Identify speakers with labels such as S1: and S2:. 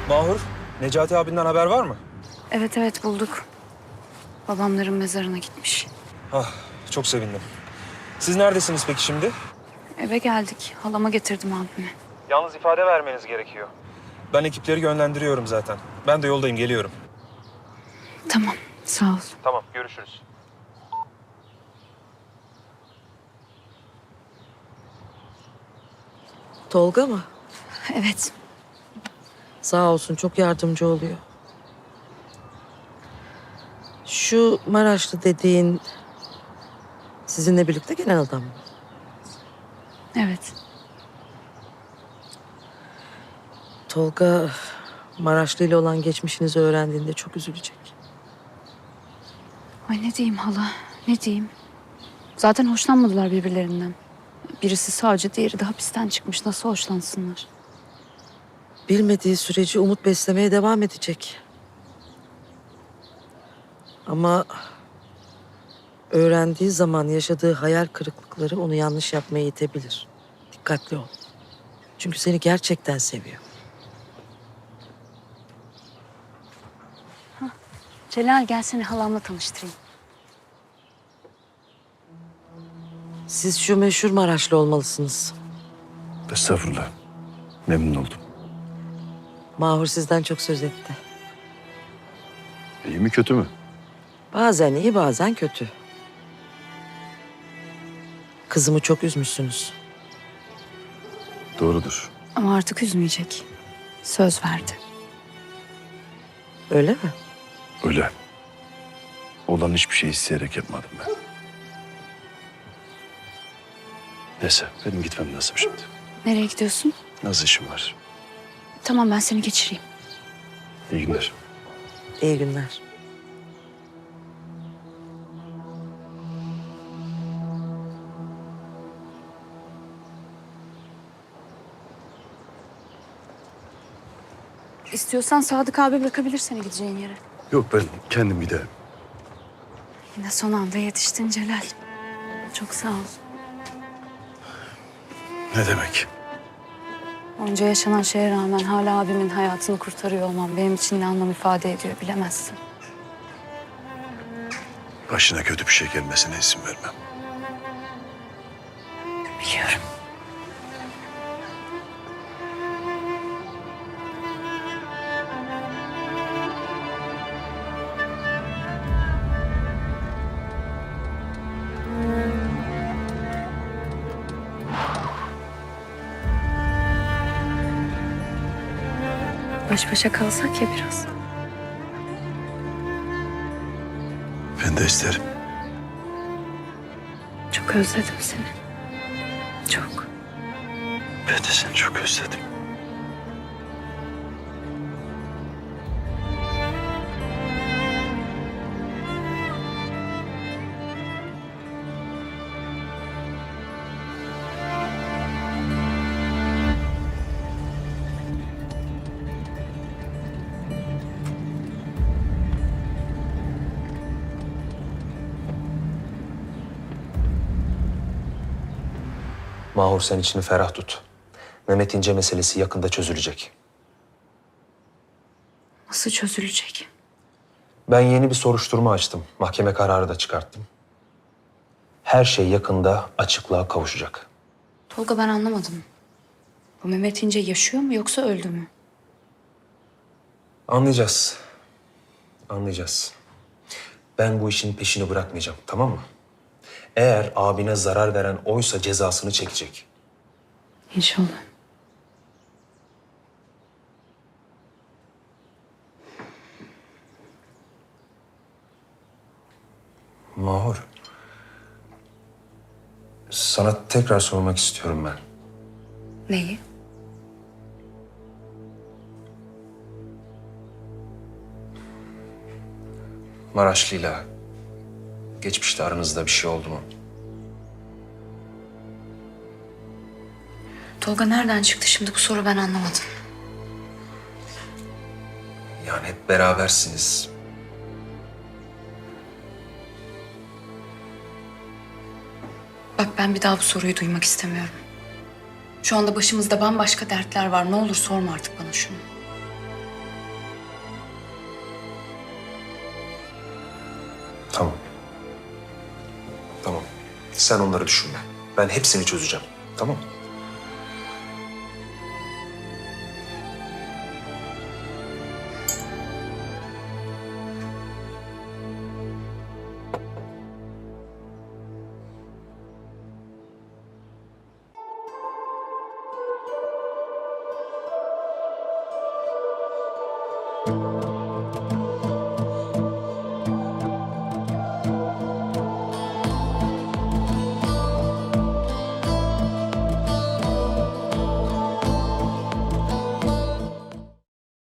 S1: Mahur, Necati abinden haber var mı?
S2: Evet bulduk. Babamların mezarına gitmiş.
S1: Ah, çok sevindim. Siz neredesiniz peki şimdi?
S2: Eve geldik. Halama getirdim abimi.
S1: Yalnız ifade vermeniz gerekiyor. Ben ekipleri yönlendiriyorum zaten. Ben de yoldayım, geliyorum.
S2: Tamam, sağ ol.
S1: Tamam, görüşürüz.
S3: Tolga mı?
S2: Evet,
S3: Sağ olsun, çok yardımcı oluyor. Şu Maraşlı dediğin sizinle birlikte gelen adam mı?
S2: evet.
S3: Tolga Maraşlı ile olan geçmişinizi öğrendiğinde çok üzülecek.
S2: Ay ne diyeyim hala, ne diyeyim? Zaten hoşlanmadılar birbirlerinden. Birisi savcı, diğeri de hapisten çıkmış. Nasıl hoşlansınlar?
S3: Bilmediği sürece umut beslemeye devam edecek. Ama öğrendiği zaman yaşadığı hayal kırıklıkları onu yanlış yapmaya itebilir. Dikkatli ol. Çünkü seni gerçekten seviyor.
S2: Celal gel seni halamla tanıştırayım.
S3: Siz şu meşhur Maraşlı olmalısınız.
S4: Estağfurullah. Memnun oldum.
S3: Mahur sizden çok söz etti.
S4: İyi mi kötü mü?
S3: Bazen iyi, bazen kötü. Kızımı çok üzmüşsünüz.
S4: Doğrudur.
S2: Ama artık üzmeyecek. Söz verdi.
S3: Öyle mi?
S4: Öyle. Olan hiçbir şey isteyerek yapmadım ben. Neyse benim gitmem lazım şimdi.
S2: Nereye gidiyorsun?
S4: Az işim var.
S2: Tamam ben seni geçireyim.
S4: İyi günler.
S3: İyi günler.
S2: İstiyorsan Sadık abi bırakabilir seni gideceğin yere.
S4: Yok ben kendim giderim.
S2: Yine son anda yetiştin Celal. Çok sağ ol.
S4: Ne demek?
S2: Onca yaşanan şeye rağmen hala abimin hayatını kurtarıyor olmam benim için ne anlam ifade ediyor bilemezsin.
S4: Başına kötü bir şey gelmesine izin vermem.
S2: Biliyorum. Baş başa kalsak ya biraz.
S4: Ben de isterim.
S2: Çok özledim seni. Çok.
S4: Ben de seni çok özledim.
S1: Mahur sen içini ferah tut. Mehmet İnce meselesi yakında çözülecek.
S2: Nasıl çözülecek?
S1: Ben yeni bir soruşturma açtım. Mahkeme kararı da çıkarttım. Her şey yakında açıklığa kavuşacak.
S2: Tolga ben anlamadım. Bu Mehmet İnce yaşıyor mu yoksa öldü mü?
S1: Anlayacağız. Anlayacağız. Ben bu işin peşini bırakmayacağım, tamam mı? Eğer abine zarar veren oysa cezasını çekecek.
S2: İnşallah.
S1: Mahur. Sana tekrar sormak istiyorum ben.
S2: Neyi?
S1: Maraşlı'yla geçmişte aranızda bir şey oldu mu?
S2: Tolga nereden çıktı şimdi bu soru ben anlamadım.
S1: Yani hep berabersiniz.
S2: Bak ben bir daha bu soruyu duymak istemiyorum. Şu anda başımızda bambaşka dertler var. Ne olur sorma artık bana şunu.
S1: Tamam. Tamam. Sen onları düşünme. Ben hepsini çözeceğim. Tamam mı?